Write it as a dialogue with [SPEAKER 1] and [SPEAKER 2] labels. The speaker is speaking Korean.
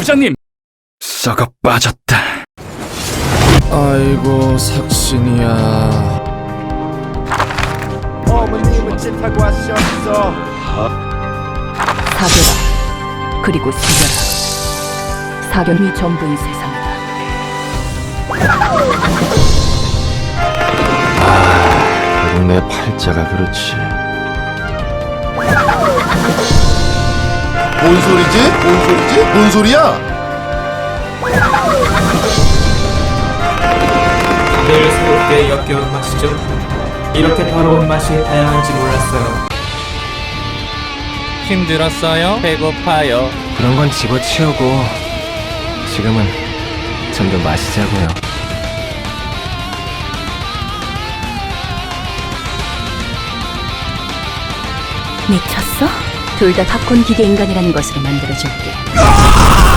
[SPEAKER 1] 부장님! 썩어 빠졌다.
[SPEAKER 2] 아이고 삭신이야.
[SPEAKER 3] 어머님은 찐타고 하셨어.
[SPEAKER 4] 사겨라. 그리고 새겨라. 사견이 전부인 세상이다.
[SPEAKER 2] 결국 내 팔자가 그렇지.
[SPEAKER 5] 뭔 소리지? 뭔 소리지? 뭔 소리야?
[SPEAKER 6] 매일 새롭게 역겨운 맛이죠. 이렇게 더러운 맛이 다양한지 몰랐어요.
[SPEAKER 7] 힘들었어요? 배고파요?
[SPEAKER 2] 그런 건 집어치우고 지금은 좀 더 마시자고요.
[SPEAKER 4] 미쳤어? 둘 다 팝콘 기계 인간이라는 것으로 만들어줄게.